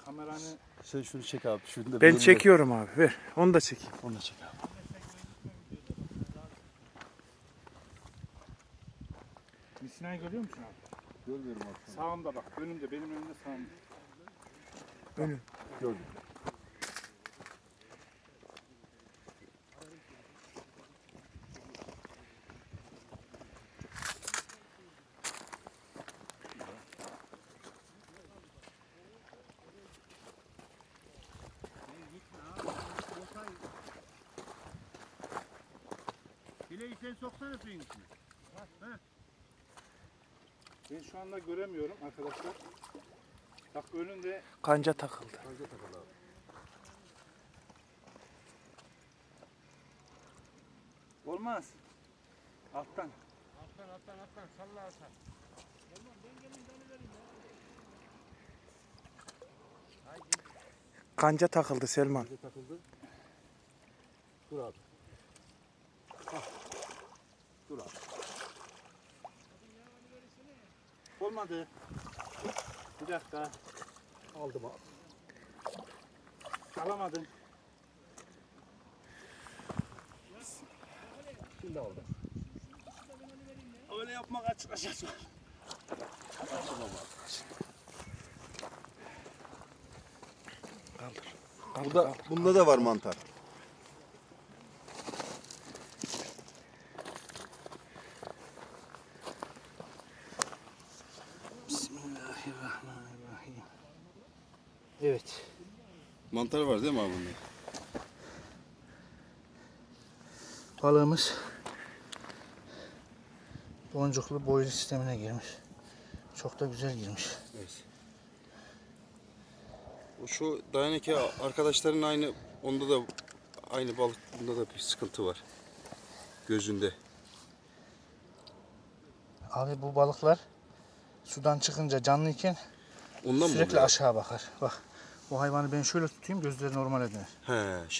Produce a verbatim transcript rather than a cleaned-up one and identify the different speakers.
Speaker 1: Kameranı
Speaker 2: Sen şunu çek abi. Şunu da
Speaker 3: Ben
Speaker 2: bunu-
Speaker 3: çekiyorum abi. Ver. Onu da çekeyim.
Speaker 2: Onu da çek abi.
Speaker 1: misinayı görüyor musun abi?
Speaker 2: Görmüyorum abi.
Speaker 1: Sağımda bak. Önümde. Benim önümde sağımda.
Speaker 3: Önüm.
Speaker 2: Gördüm.
Speaker 4: Bileği sen soksana suyun içine.
Speaker 1: Ben şu anda göremiyorum arkadaşlar. Bak önünde
Speaker 3: Kanca takıldı.
Speaker 1: olmaz. Alttan.
Speaker 4: Alttan alttan alttan salla alttan.
Speaker 3: Kanca takıldı Selman.
Speaker 2: Nerede takıldı? Dur abi. Hah. Dur abi.
Speaker 1: Olmadı. Bir dakika.
Speaker 2: Aldım abi.
Speaker 1: Alamadın.
Speaker 2: Şimdi aldım.
Speaker 1: Öyle yapmak açık açık.
Speaker 3: Kaldır.
Speaker 2: Burada, bunda da var mantar.
Speaker 1: Bismillahirrahmanirrahim. Evet.
Speaker 2: Mantar var değil mi abi bunda?
Speaker 1: Balığımız boncuklu boylu sistemine girmiş. Çok da güzel girmiş.
Speaker 2: Evet. Şu dayanık ya arkadaşların aynı onda da aynı balık bunda da bir sıkıntı var. Gözünde.
Speaker 1: Abi bu balıklar sudan çıkınca canlıyken
Speaker 2: Ondan mı
Speaker 1: sürekli
Speaker 2: oluyor?
Speaker 1: aşağı bakar. Bak bu hayvanı ben şöyle tutayım gözleri normale döner.
Speaker 2: He.